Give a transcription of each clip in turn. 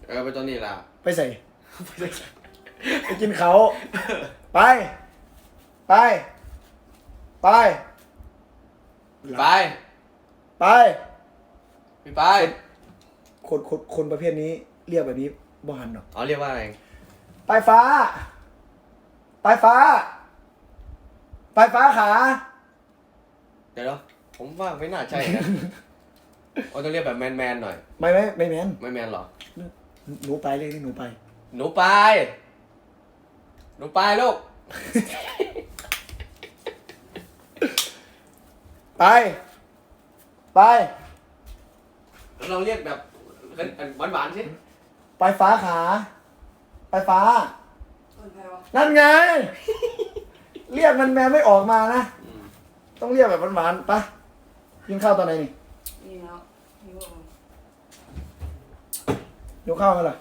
ไปตัวนี้ล่ะไปใส่ไปกินเขาไปไปไปไปไปพี่ไปคนประเภทนี้เรียกแบบนี้บ่หันหรอกเรียกว่าอะไรไปฟ้าไปฟ้าไปฟ้าขาเดี๋ยวผมว่าไม่น่าใช่นะต้องเรียกแบบแมนหน่อยไม่แมนไม่แมนหรอหนูไปเลยหนูไปลูกไปเราเรียกแบบหวานๆสิไปฟ้าขาไปฟ้านั่นไงเรียกมันแมวไม่ออกมานะต้องเรียกแบบหวานๆไปกินข้าวตอนไหนนี่ยกข้าวมาเลย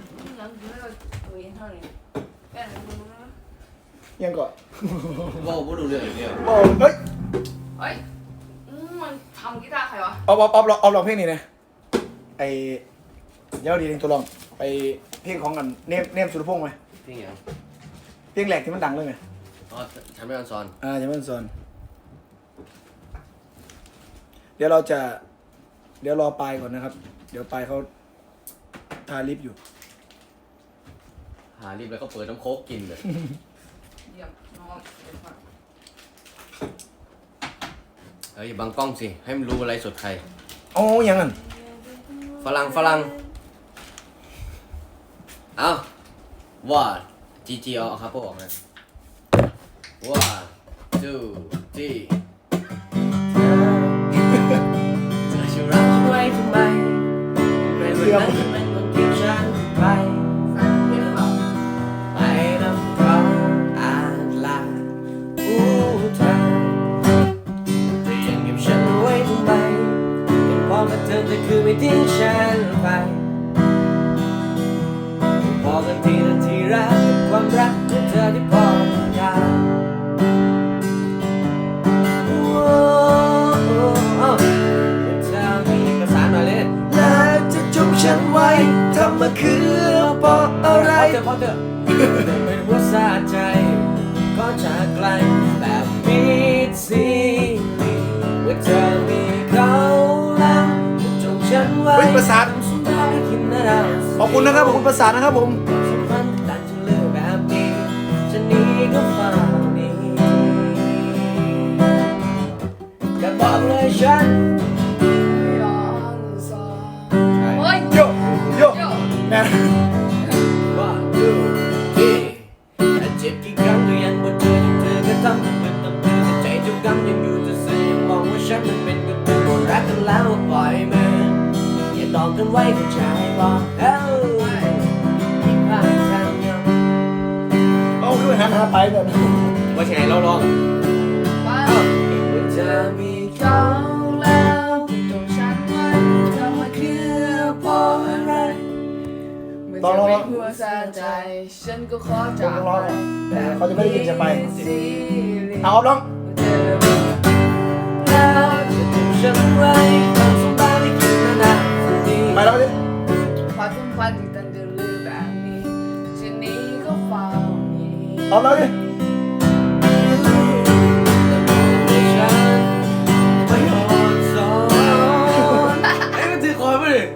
ยังก่อนบ่ดูเรื่องเดียวเฮ้ยมันทำกีตาร์ใครวะเอาลองเพลงนี้นะไอเดี๋ยวดีเองตัวลองไปเพลงของกันเนมสุรพงษ์ไหมเพลงอย่างเพลงแหลกที่มันดังเลยไงฉันไม่อันซอนฉันไม่อันซอนเดี๋ยวรอปลายก่อนนะครับเดี๋ยวปลายเขาทาลิปอยู่หาลิปแล้วก็เปิดน้ำโค้กกินเลยเฮ้ยบังกล้องสิให้มันรู้อะไรสดใครยังงั้นฝรั่งเอาว่าจีเอาครับพวกออกนะว่า2 3จะชูรักฉันไว้ทำไมในวันนั้นมันต้องทิ้งฉันไปไปนำเขาอ่านลาผู้เธอแต่ยังเก็บฉันไว้ทำไมยังพอกับเธอแต่คือไม่ทิ้งฉันไปพอกันทีละทีรักกับความรักของเธอที่พอได้ฉันไว้ทำมาคือเพราะอะไรพอเถอะไม่รู้ว่าสะใจก็จากไกลแบบมิดซีรีว่าเธอมีเขาแล้วจะจงฉันไว้ประสาทขอบคุณนะครับขอบคุณประสาทนะครับผมสัมพันธ์ตัดจะเลือกแบบนี้จะหนีก็ฟังนี้จะบอกเลยฉันแม่ว่าดูที่เจ็บกี่ครั้งก็ยังบ่เจอที่เธอก็ทำให้เป็นตับเธอแต่ใจเจ้ากรรมยังอยู่จะซื้อยังมองว่าฉันมันเป็นกับเธอหมดรักกันแล้วปล่อยมืออย่าดองกันไว้กับใจบอกที่ผ่านทางยังคือหันหาไปแบบว่าไงเราลองว่าจะมีเขาแล้วจงฉันไว้ทำมาคือเพราะอะไรต้องร้องเพื่อสะใจฉันก็ขอจากไปแต่เขาจะไม่ได้ยินจะไปเอาร้องแล้วจะถูกฉันไว้ความสงสารที่คิดนานๆทีไปแล้วดิความสัมพันธ์ที่ตั้งแต่ลือแบบนี้ฉันนี้ก็เฝ้านี้เอาแล้วดิไม่อ่อนสอนไอ้มันถือคอยไปดิ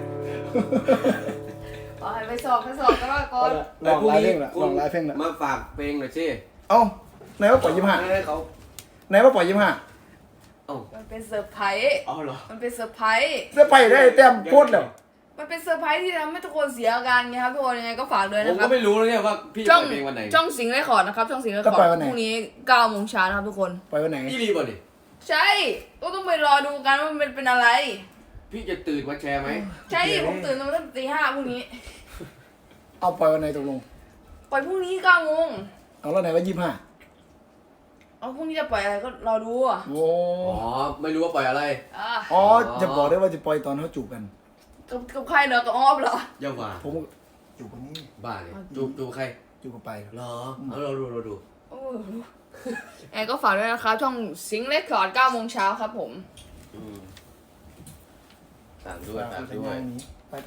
ไปสอบก็ว่าก่อนลองไลฟ์เพลงละลองไลฟ์เพลงละมาฝากเพลงหน่อยสิไหนว่าปล่อย25ไหนว่าปล่อย25 มันเป็นเซอร์ไพรส์เหรอมันเป็นเซอร์ไพรส์ได้แต้มโพดแล้วมันเป็นเซอร์ไพรส์ที่ทำให้ทุกคนเสียอาการไงครับทุกคนยังไงก็ฝากด้วยนะครับผมก็ไม่รู้แล้วเนี่ยว่าพี่จะปล่อยเพลงวันไหนช่องสิงห์เรคคอร์ดนะครับช่องสิงห์เรคคอร์ดพรุ่งนี้9 โมงเช้านะครับทุกคนปล่อยวันไหนพี่รีบอ่ะดิใช่ก็ต้องไปรอดูกันว่ามันเป็นอะไรพี่จะตื่นมาแชร์ไหมใช่ผมตื่นมาตั้งแต่ตี 5พรุ่งนี้เอาปล่อยวันไหนตกลงปล่อยพรุ่งนี้9 โมงเอาแล้วไหนว่า25 พรุ่งนี้จะปล่อยอะไรก็รอดูไม่รู้ว่าปล่อยอะไรจะบอกได้ว่าจะปล่อยตอนเขาจูบกันกับใครเหรอกับออฟเหรอเยาว่าผมจูบคนนี้บ้าเลยจูบใครจูบกับไปเหรอเราดูแอร์ก็ฝากด้วยนะครับช่องสิงห์เรคคอร์ด9 โมงเช้าครับผมฝากด้วยไป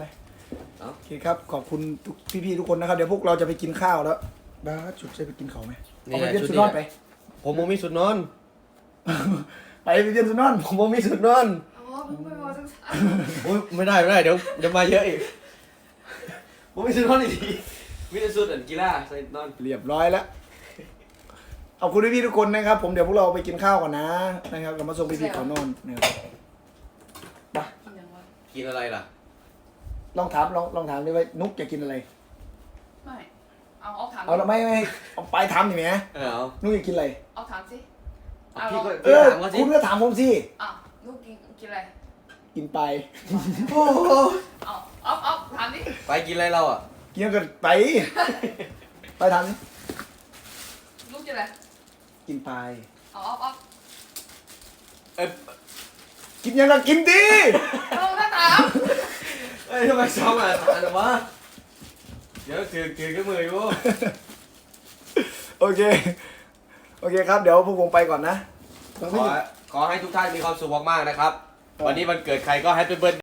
เอ้าโอเคครับขอบคุณทุกพี่ๆทุกคนนะครับเดี๋ยวพวกเราจะไปกินข้าวแล้วบ้าสชุดจะไปกินเขาวไหมเอาไปเปลี่ยนชุดนอนไปผมบ่มีสุดนอนไปเปลี่ยนชุดนอนผมบ่มีสุดนอนอ๋อมึงไม่พอสักสักโอ้ยไม่ได้เดี๋ยวมาเยอะอีกผมมีสุดนอนอีกทีมีแต่สุดอันกีฬาใส่นอนเรียบร้อยแล้วขอบคุณพี่ๆทุกคนนะครับ ผมเดี๋ยวพวกเราไปกินข้าวก่อนนะนะครับเรามาส่งพี่ๆก่อนนอนนะครับไปกินยังวะกินอะไรล่ะลองถามดิว่านุกอยากกินอะไรไม่เอาถามเอาไม่เอาไปทำดิแหมเอานุกอยากกินอะไรเอาถามสิพี่ก็เออถามเขาสิคุณก็ถามผมสิอ่ะลูกกินอะไรกินไปโอ้โหเอาถามดิไปกินอะไรเราอ่ะกินก็ไปไปทำดิลูกกินอะไรกินไปเอาเอ้ยกินยังก็กินดิเอาถ้าถามเอ้ยทำไมซ้อมอ่ะอะไรวะเดี๋ยวถือกับมืออยู่โอเคครับเดี๋ยวพวกผมไปก่อนนะขอให้ทุกท่านมีความสุขมากๆนะครับ วันนี้วันเกิดใครก็แฮปปี้เบิร์